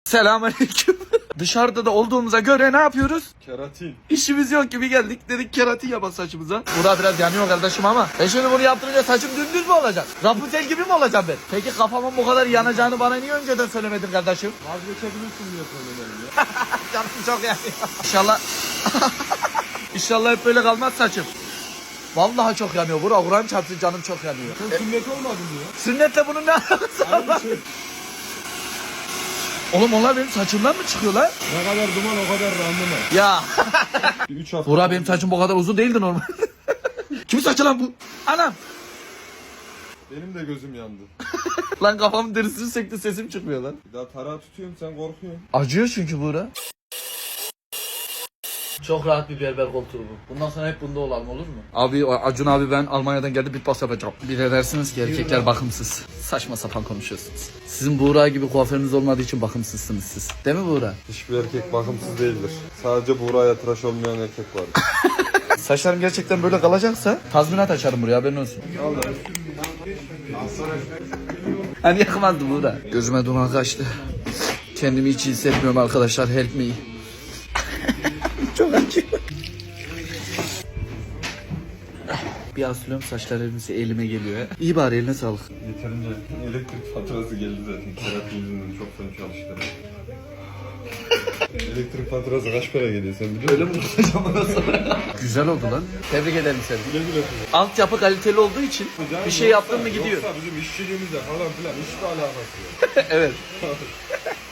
Selamünaleyküm. Dışarıda da olduğumuza göre ne yapıyoruz? Keratin. İşimiz yok gibi geldik, dedik keratin yapalım saçımıza. Burada biraz yanıyor kardeşim ama ben şimdi bunu yaptırınca saçım dümdüz mü olacak? Rapunzel gibi mi olacağım ben? Peki kafamın bu kadar yanacağını bana niye önceden söylemedin kardeşim? Vazgeçebilirsin diye söylemedim ya. Canım çok yanıyor. İnşallah İnşallah hep böyle kalmaz saçım. Vallahi çok yanıyor. Kur'an çarpsın, canım çok yanıyor. Sen sünnet olmadın diyor. Sünnetle bunun ne alakası var? Aynı şey. Oğlum onlar benim saçımdan mı çıkıyor lan? Ne kadar duman o kadar randıman. Ya. 3 hafta. Burak benim saçım bu kadar uzun değildi normal. Kimin saçı lan bu? Anam. Benim de gözüm yandı. Lan kafamın derisini sekti, sesim çıkmıyor lan. Bir daha tarağı tutuyorum sen korkuyorsun. Acıyor çünkü Burak. Çok rahat bir berber koltuğu bu. Bundan sonra hep bunda olalım, olur mu? Abi Acun abi ben Almanya'dan geldi bitbas yapacağım. Bir de dersiniz ki erkekler bakımsız. Saçma sapan konuşuyorsunuz. Sizin Buğra gibi kuaförünüz olmadığı için bakımsızsınız siz. Değil mi Buğra? Hiçbir erkek bakımsız değildir. Sadece Buğra'ya tıraş olmayan erkek vardır. Saçlarım gerçekten böyle kalacaksa tazminat açarım buraya, haberin olsun. Hani yakmazdı Buğra. Gözüme duman kaçtı. Kendimi hiç iyi hissetmiyorum arkadaşlar, help me. Çok acıyor. Bir asılıyorum, saçlar elime geliyor ya. İyi bari, eline sağlık. Yeterince elektrik faturası geldi zaten. Keratin yüzünden çok fena çalıştım. Elektrik faturası kaç para geliyor sen biliyor musun? Öyle mi tutacağım ondan sonra? Güzel oldu lan. Tebrik ederim seni. Güle güle. Altyapı kaliteli olduğu için bir şey yaptın mı gidiyor. Yoksa bizim işçiliğimizle falan filan hiçbir alakası yok. Evet.